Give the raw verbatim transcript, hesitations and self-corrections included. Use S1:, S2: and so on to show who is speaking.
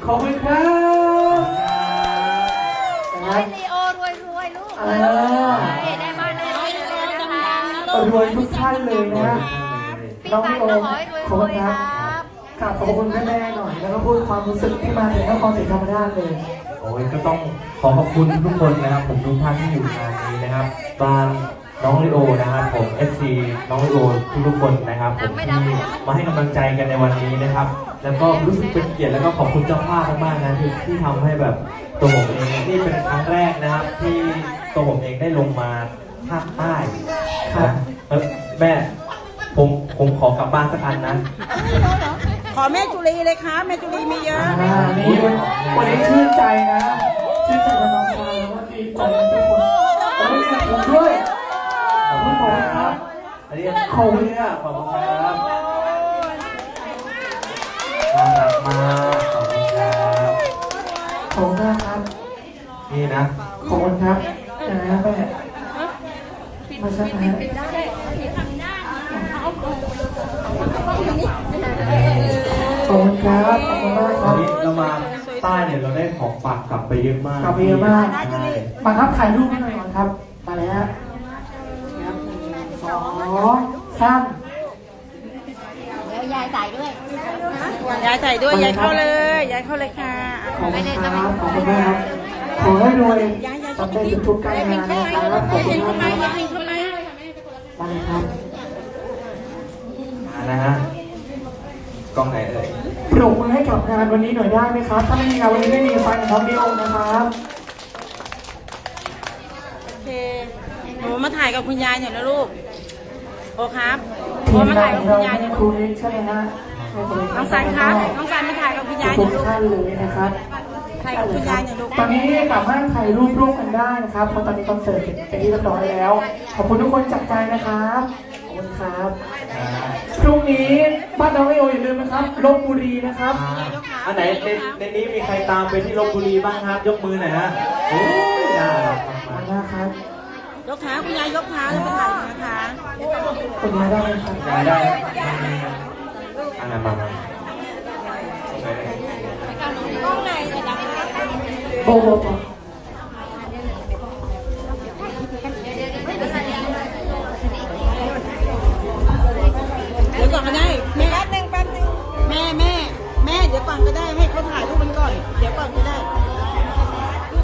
S1: ขอบคุณครับ
S2: ให้ลีโอรวยรวยลูกได้บ้านได้รวยเลยนะคะ
S1: รวยทุกท่านเลยนะ
S2: พี่
S1: น้อง
S2: ปั
S1: ลี
S2: น
S1: โอ
S2: ก็ขอให้รวย
S1: ขอบ
S2: ร
S1: คุ
S2: ว
S1: ณ
S2: ย
S1: ค
S2: ค
S1: รั
S2: รั
S1: บบ กราบขอบคุณแม่ๆหน่อยแล้วก็พูดความรู้สึกที่มาจากนครศรีธรรมราชเลย
S3: โอ้ยก็ต้องขอขอบคุณทุกคนนะครับผมทุกท่านที่อยู่งานนี้นะครับบางน้องลิโอนะครับผม เอฟ ซี น้องลิโอทุกๆคนนะครับผมที่มาให้กำลังใจกันในวันนี้นะครับแล้วก็รู้สึกเป็นเกียรติแล้วก็ขอบคุณเจ้าภาพมากๆนะที่ที่ทำให้แบบตัวผมเองนี่เป็นครั้งแรกนะครับที่ตัวผมเองได้ลงมาภาคใต้นะแล้วแม่ผมผมขอกลับบ้านสักอันนะ
S4: ขอแม่จุลีเลยครับแม่จุลีมีเยอะ
S1: อ่านี่วันวันนี้ชื่นใจนะชื่นใจกับน้องชายแล้วก็ดีใจกับทุกคนขอบคุณผมด้วยขอบคุณผมครับ
S3: อันนี้ขอบคุณครับขอบคุณครับน่ารักมากขอบคุณครับ
S1: ขอบคุณมากครับ
S3: นี่นะ
S1: ขอบคุณครับนะแม่มาสักนะขอบคุณครับขอบคุณมากค
S3: วั
S1: รั
S3: น
S1: บ
S3: นี้เรามาใต้เนี่ยเราได้ของฝากกลับไปเยอะมาก
S1: กลับไปเยอะมาก
S3: ใช่
S1: มาครับถ่ายรูปให้หน่อยก่อนครับมาเลยฮะครับหนึ่งสองสาม
S2: เดี๋ยวยายใส่ด้วย
S4: ยายใส่ด้วยยายเข้าเลยยายเข้าเลยค่ะ
S1: ขอบคุณครับขอบคุณมากครับขอให้รวยสำเร็จทุกๆการงานนะครับขอบคุณมากครับ
S4: ทำไม
S1: มาเลยครับ
S3: มานะฮะกล้องไหนเอ่ย
S1: ปรบมือให้กับงานวันนี้หน่อยได้ไหมครับถ้าไม่มีงานวันนี้ไม่มีฟันของน้องดิโอนะครับ
S4: โอเคหนูมาถ่ายกับคุณยายหน่อยนะลูกโอครับโอ
S1: ทีม
S4: มาง
S1: า
S4: ถ่าน ย
S1: ข
S4: กับ
S1: อง
S4: คุณ
S1: เรา
S4: ยายหน่อย
S1: ครู
S4: ลูก
S1: เล็กใช่ไหมฮะ
S4: น้องสันครับน้องสันมาถ่ายกับคุณยายห
S1: ทุ
S4: น่อย
S1: ก
S4: ลูก
S1: ท่านเลยนะครับ
S4: ถ่ายกับคุณยายหน่อยลูก
S1: ตอนนี้สามารถถ่ายรูปร่วมกันได้นะครับเพราะตอนนี้คอนเสิร์ตเป็นที่เรียบร้อยแล้ว ขอบคุณทุกคนจากใจนะครับขอบคุณครับ
S3: อ่า
S1: พรุ่งนี้บ้านน้องไอโออย่าลืมนะครับลบบุรีนะครับ
S3: อ่าอันไหนในในนี้มีใครตามไปที่ลพบุรีบ้างครับ ยกมือหน่อยฮะโอ้ยน่ารัก
S1: ขอบ
S3: มา
S1: คุณ
S3: ก
S1: มากครับ
S4: ยกขาคุณยายยกขาแล้วไปถ่ายนะคะ
S1: คุณยายได้ไหมครับ
S3: ๆได้ได้อันไหนมามาโอเค
S2: กล้องไหนจะดัง
S1: โบโบโบ